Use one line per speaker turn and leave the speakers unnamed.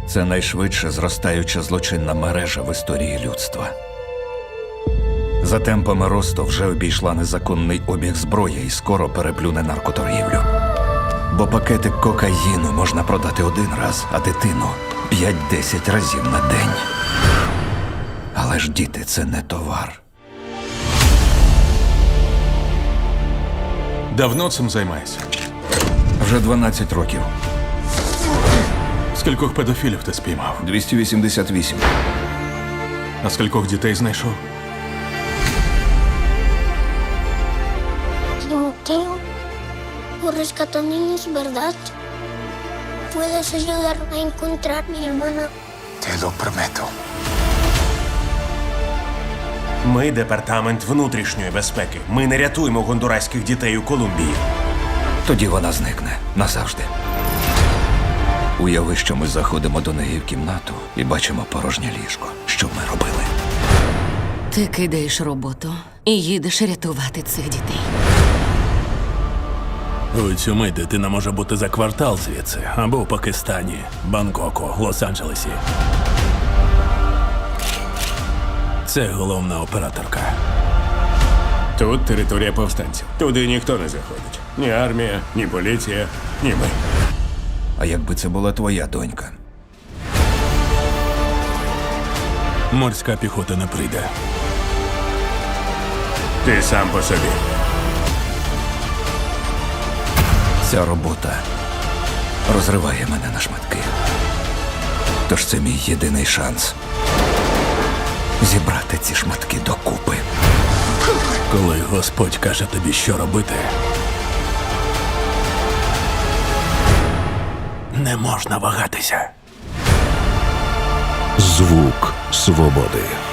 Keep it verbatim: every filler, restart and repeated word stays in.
Це найшвидше зростаюча злочинна мережа в історії людства. За темпами росту вже обійшла незаконний обіг зброї і скоро переплюне наркоторгівлю. Бо пакетик кокаїну можна продати один раз, а дитину – п'ять-десять разів на день. Але ж діти – це не товар.
Давно цим займаєшся?
Вже дванадцять років.
Скількох педофілів ти спіймав?
двісті вісімдесят вісім.
А скількох дітей знайшов?
Timoteo, por rescatar niños, ¿verdad? ¿Puedes ayudarme a encontrar a mi hermana?
Te lo prometo.
Ми департамент внутрішньої безпеки. Ми не рятуємо гондураських дітей у Колумбії.
Тоді вона зникне назавжди. Уяви, що ми заходимо до неї в кімнату і бачимо порожнє ліжко. Що б ми робили?
Ти кидаєш роботу і їдеш рятувати цих дітей.
У цю мить дитина може бути за квартал звідси, або в Пакистані, Бангкоку, Лос-Анджелесі. Це головна операторка.
Тут територія повстанців. Туди ніхто не заходить. Ні армія, ні поліція, ні ми.
А якби це була твоя донька?
Морська піхота не прийде.
Ти сам по собі.
Ця робота розриває мене на шматки. Тож це мій єдиний шанс зібрати ці шматки докупи.
Коли Господь каже тобі, що робити, не можна вагатися.
Звук свободи.